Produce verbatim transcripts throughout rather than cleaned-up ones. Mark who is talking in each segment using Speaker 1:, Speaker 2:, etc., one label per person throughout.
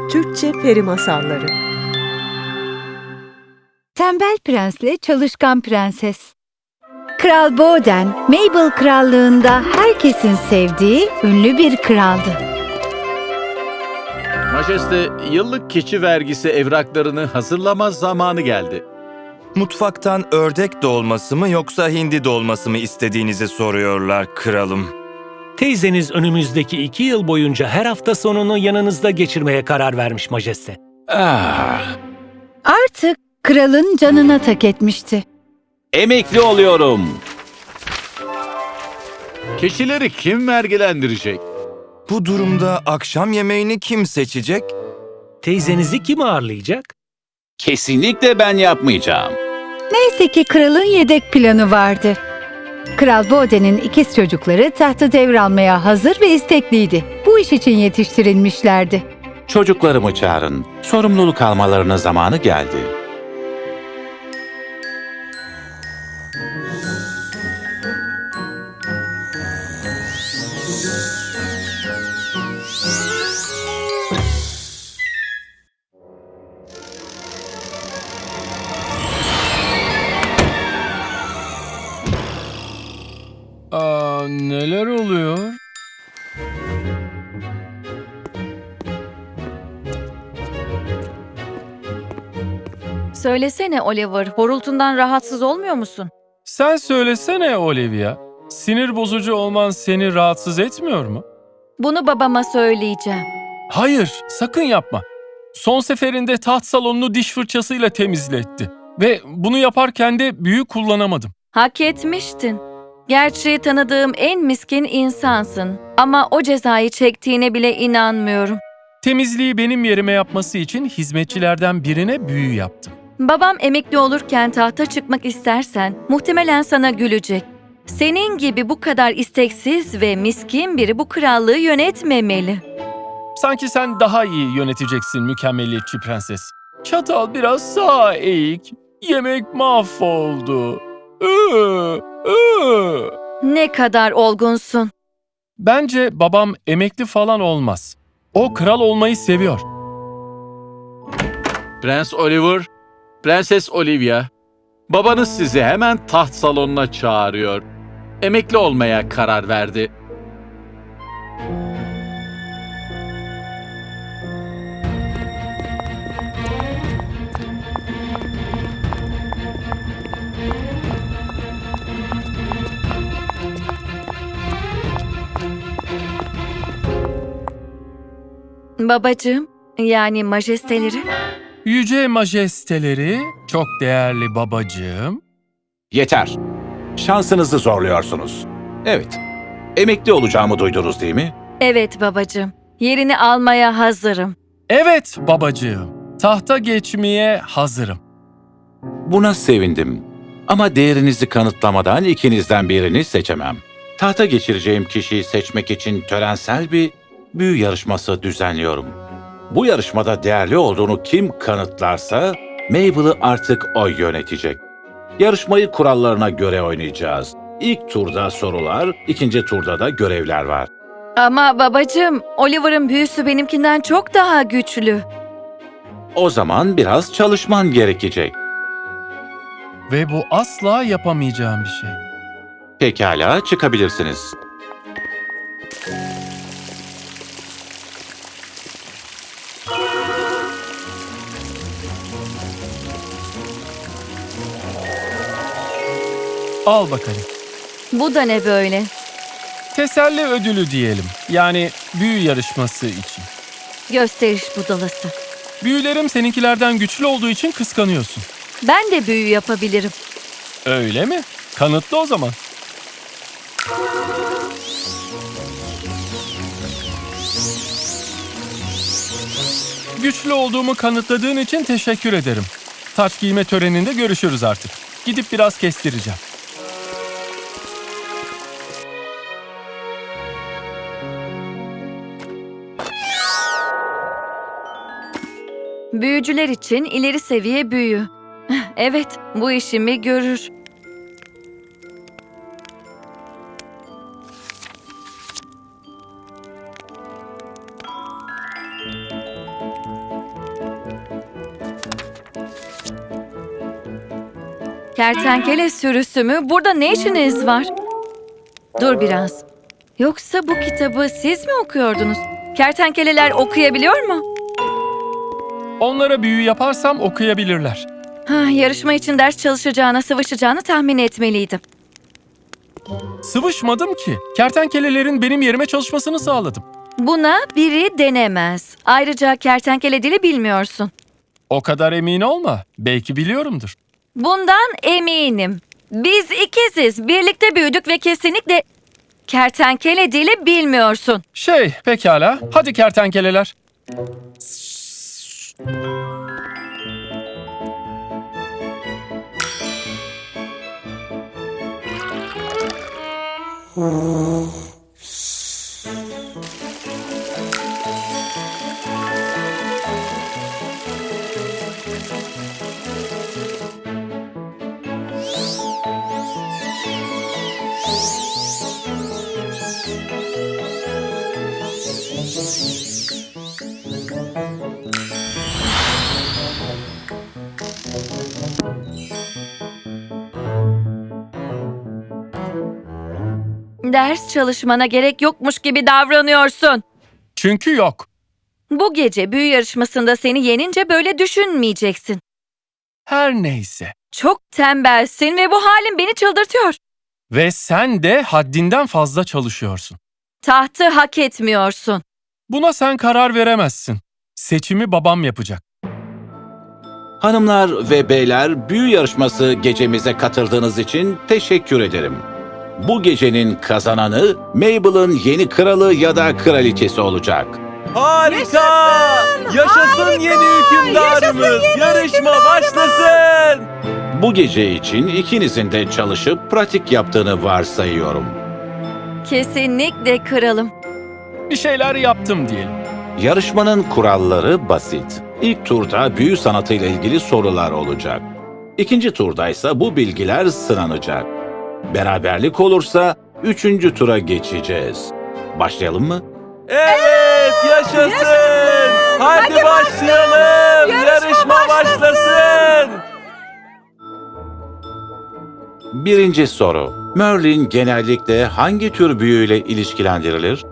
Speaker 1: Türkçe Peri Masalları.
Speaker 2: Tembel Prensle Çalışkan Prenses. Kral Boden, Mabel krallığında herkesin sevdiği ünlü bir kraldı.
Speaker 3: Majeste, yıllık keçi vergisi evraklarını hazırlama zamanı geldi.
Speaker 4: Mutfaktan ördek dolması mı yoksa hindi dolması mı istediğinizi soruyorlar kralım.
Speaker 5: Teyzeniz önümüzdeki iki yıl boyunca her hafta sonunu yanınızda geçirmeye karar vermiş majeste.
Speaker 3: Ah,
Speaker 2: Artık kralın canına tak etmişti.
Speaker 3: emekli oluyorum. Keçileri kim vergilendirecek?
Speaker 4: Bu durumda akşam yemeğini kim seçecek?
Speaker 5: Teyzenizi kim ağırlayacak?
Speaker 3: Kesinlikle ben yapmayacağım.
Speaker 2: Neyse ki kralın yedek planı vardı. Kral Boden'in ikiz çocukları tahtı devralmaya hazır ve istekliydi. Bu iş için yetiştirilmişlerdi.
Speaker 6: Çocuklarımı çağırın. Sorumluluk almalarına zamanı geldi.
Speaker 7: Aa, neler oluyor?
Speaker 8: Söylesene Oliver, horultundan rahatsız olmuyor musun?
Speaker 7: Sen söylesene Olivia. Sinir bozucu olman seni rahatsız etmiyor mu?
Speaker 8: Bunu babama söyleyeceğim.
Speaker 7: Hayır, sakın yapma. Son seferinde taht salonunu diş fırçasıyla temizletti. Ve bunu yaparken de büyü kullanamadım.
Speaker 8: Hak etmiştin. Gerçi tanıdığım en miskin insansın. Ama o cezayı çektiğine bile inanmıyorum.
Speaker 7: Temizliği benim yerime yapması için hizmetçilerden birine büyü yaptım.
Speaker 8: Babam emekli olurken tahta çıkmak istersen muhtemelen sana gülecek. Senin gibi bu kadar isteksiz ve miskin biri bu krallığı yönetmemeli.
Speaker 7: Sanki sen daha iyi yöneteceksin mükemmeliyetçi prenses. Çatal biraz sağa eğik. Yemek mahvoldu. Iı, ıı.
Speaker 8: Ne kadar olgunsun.
Speaker 7: Bence babam emekli falan olmaz. O kral olmayı seviyor.
Speaker 3: Prens Oliver, Prenses Olivia, babanız sizi hemen taht salonuna çağırıyor. Emekli olmaya karar verdi.
Speaker 8: Babacığım, yani majesteleri.
Speaker 7: Yüce majesteleri, çok değerli babacığım.
Speaker 6: Yeter. Şansınızı zorluyorsunuz. Evet. Emekli olacağımı duydunuz değil mi?
Speaker 8: Evet babacığım, yerini almaya hazırım.
Speaker 7: Evet babacığım, tahta geçmeye hazırım.
Speaker 6: Buna sevindim. Ama değerinizi kanıtlamadan ikinizden birini seçemem. Tahta geçireceğim kişiyi seçmek için törensel bir büyü yarışması düzenliyorum. Bu yarışmada değerli olduğunu kim kanıtlarsa Mabel'ı artık o yönetecek. Yarışmayı kurallarına göre oynayacağız. İlk turda sorular, ikinci turda da görevler var.
Speaker 8: Ama babacığım, Oliver'ın büyüsü benimkinden çok daha güçlü.
Speaker 6: O zaman biraz çalışman gerekecek.
Speaker 7: Ve bu asla yapamayacağım bir şey.
Speaker 6: Pekala, çıkabilirsiniz.
Speaker 7: Al bakalım.
Speaker 8: Bu da ne böyle?
Speaker 7: Teselli ödülü diyelim. Yani büyü yarışması için.
Speaker 8: Gösteriş budalası.
Speaker 7: Büyülerim seninkilerden güçlü olduğu için kıskanıyorsun.
Speaker 8: Ben de büyü yapabilirim.
Speaker 7: Öyle mi? Kanıtlı o zaman. Güçlü olduğumu kanıtladığın için teşekkür ederim. Taç giyme töreninde görüşürüz artık. Gidip biraz kestireceğim.
Speaker 8: Büyücüler için ileri seviye büyü. Evet, bu işimi görür. Kertenkele sürüsü mü? Burada ne işiniz var? Dur biraz. Yoksa bu kitabı siz mi okuyordunuz? Kertenkeleler okuyabiliyor mu?
Speaker 7: Onlara büyü yaparsam okuyabilirler.
Speaker 8: Ha, yarışma için ders çalışacağına, sıvışacağını tahmin etmeliydim.
Speaker 7: Sıvışmadım ki. Kertenkelelerin benim yerime çalışmasını sağladım.
Speaker 8: Buna biri denemez. Ayrıca kertenkele dili bilmiyorsun.
Speaker 7: O kadar emin olma. Belki biliyorumdur.
Speaker 8: Bundan eminim. Biz ikiziz. Birlikte büyüdük ve kesinlikle kertenkele dili bilmiyorsun.
Speaker 7: Şey, pekala. Hadi kertenkeleler.
Speaker 8: Ders çalışmana gerek yokmuş gibi davranıyorsun.
Speaker 7: Çünkü yok.
Speaker 8: Bu gece büyü yarışmasında seni yenince böyle düşünmeyeceksin.
Speaker 7: Her neyse.
Speaker 8: Çok tembelsin ve bu halin beni çıldırtıyor.
Speaker 7: Ve sen de haddinden fazla çalışıyorsun.
Speaker 8: Tahtı hak etmiyorsun.
Speaker 7: Buna sen karar veremezsin. Seçimi babam yapacak.
Speaker 6: Hanımlar ve beyler, büyü yarışması gecemize katıldığınız için teşekkür ederim. Bu gecenin kazananı Mabel'ın yeni kralı ya da kraliçesi olacak.
Speaker 4: Harika! Yaşasın, yeni hükümdarımız! Yarışma başlasın!
Speaker 6: Bu gece için ikinizin de çalışıp pratik yaptığını varsayıyorum.
Speaker 8: Kesinlikle kralım.
Speaker 7: Bir şeyler yaptım diyelim.
Speaker 6: Yarışmanın kuralları basit. İlk turda büyü sanatıyla ilgili sorular olacak. İkinci turda ise bu bilgiler sınanacak. Beraberlik olursa üçüncü tura geçeceğiz. Başlayalım mı?
Speaker 4: Evet, yaşasın! Hadi, başlayalım! Yarışma, başlasın!
Speaker 6: Birinci soru. Merlin genellikle hangi tür büyüyle ilişkilendirilir?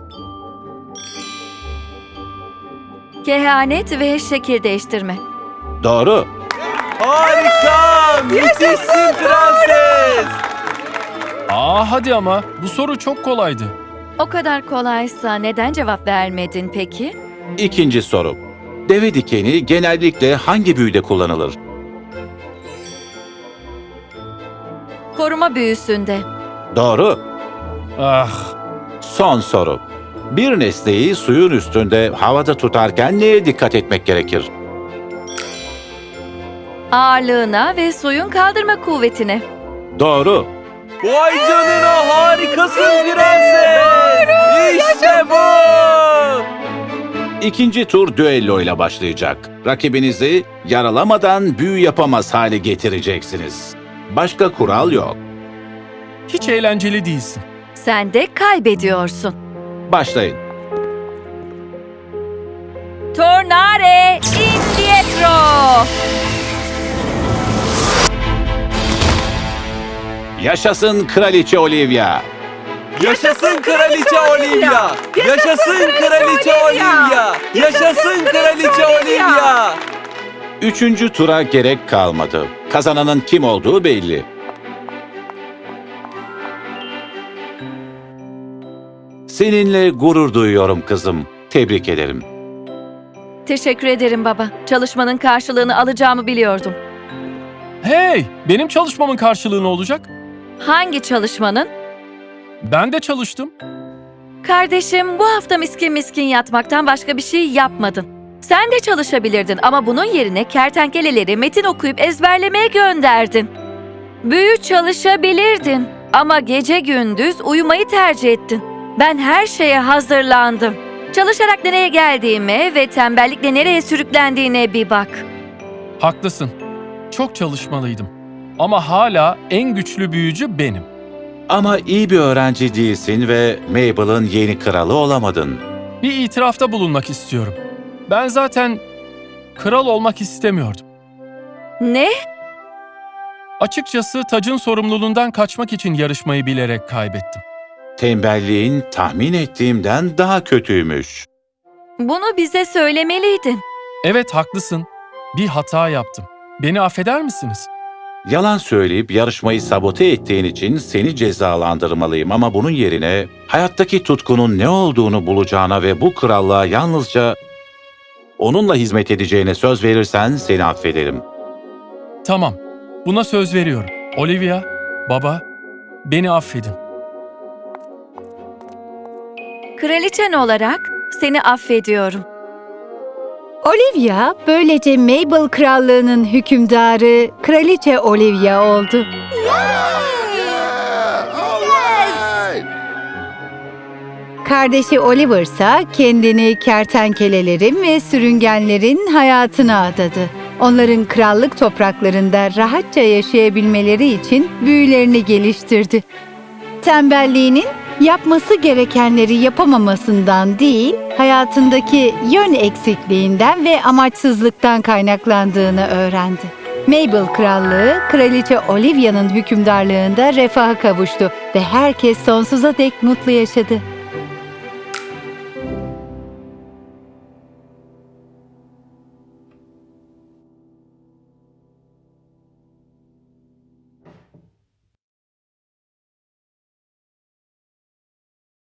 Speaker 8: Kehanet ve şekil değiştirme.
Speaker 6: Doğru.
Speaker 4: Harika! Müthişsin prenses!
Speaker 7: Aa hadi ama. Bu soru çok kolaydı.
Speaker 8: O kadar kolaysa neden cevap vermedin peki?
Speaker 6: İkinci soru. Deve dikeni genellikle hangi büyüde kullanılır?
Speaker 8: Koruma büyüsünde.
Speaker 6: Doğru.
Speaker 7: Ah.
Speaker 6: Son soru. Bir nesneyi suyun üstünde havada tutarken neye dikkat etmek gerekir?
Speaker 8: Ağırlığına ve suyun kaldırma kuvvetine.
Speaker 6: Doğru.
Speaker 4: Vay canına, harikasın prenses! İşte bu!
Speaker 6: İkinci tur düello ile başlayacak. Rakibinizi yaralamadan büyü yapamaz hale getireceksiniz. Başka kural yok.
Speaker 7: Hiç eğlenceli değilsin.
Speaker 8: Sen de kaybediyorsun.
Speaker 6: Başlayın.
Speaker 8: Tornare indietro.
Speaker 6: Yaşasın Kraliçe Olivia.
Speaker 4: Yaşasın Kraliçe Olivia! Yaşasın Kraliçe Olivia! Yaşasın Kraliçe Olivia!
Speaker 6: Üçüncü tura gerek kalmadı. Kazananın kim olduğu belli. Seninle gurur duyuyorum kızım. Tebrik ederim.
Speaker 8: Teşekkür ederim baba. Çalışmanın karşılığını alacağımı biliyordum.
Speaker 7: Hey! Benim çalışmamın karşılığı ne olacak?
Speaker 8: Hangi çalışmanın?
Speaker 7: Ben de çalıştım.
Speaker 8: Kardeşim, bu hafta miskin miskin yatmaktan başka bir şey yapmadın. Sen de çalışabilirdin ama bunun yerine kertenkeleleri metin okuyup ezberlemeye gönderdin. Büyü çalışabilirdin ama gece gündüz uyumayı tercih ettin. Ben her şeye hazırlandım. Çalışarak nereye geldiğime ve tembellikle nereye sürüklendiğine bir bak.
Speaker 7: Haklısın. Çok çalışmalıydım. Ama hala en güçlü büyücü benim.
Speaker 6: Ama iyi bir öğrenci değilsin ve Mabel'ın yeni kralı olamadın.
Speaker 7: Bir itirafta bulunmak istiyorum. Ben zaten kral olmak istemiyordum.
Speaker 8: Ne?
Speaker 7: Açıkçası tacın sorumluluğundan kaçmak için yarışmayı bilerek kaybettim.
Speaker 6: Tembelliğin tahmin ettiğimden daha kötüymüş.
Speaker 8: Bunu bize söylemeliydin.
Speaker 7: Evet, haklısın. Bir hata yaptım. Beni affeder misiniz?
Speaker 6: Yalan söyleyip yarışmayı sabote ettiğin için seni cezalandırmalıyım ama bunun yerine hayattaki tutkunun ne olduğunu bulacağına ve bu krallığa yalnızca onunla hizmet edeceğine söz verirsen seni affederim.
Speaker 7: Tamam, buna söz veriyorum. Olivia, baba, beni affedin.
Speaker 8: Kraliçen olarak seni affediyorum.
Speaker 2: Olivia böylece Mabel krallığının hükümdarı Kraliçe Olivia oldu. Kardeşi Oliver ise kendini kertenkelelerin ve sürüngenlerin hayatına adadı. Onların krallık topraklarında rahatça yaşayabilmeleri için büyülerini geliştirdi. Tembelliğinin yapması gerekenleri yapamamasından değil, hayatındaki yön eksikliğinden ve amaçsızlıktan kaynaklandığını öğrendi. Mabel krallığı, Kraliçe Olivia'nın hükümdarlığında refaha kavuştu ve herkes sonsuza dek mutlu yaşadı.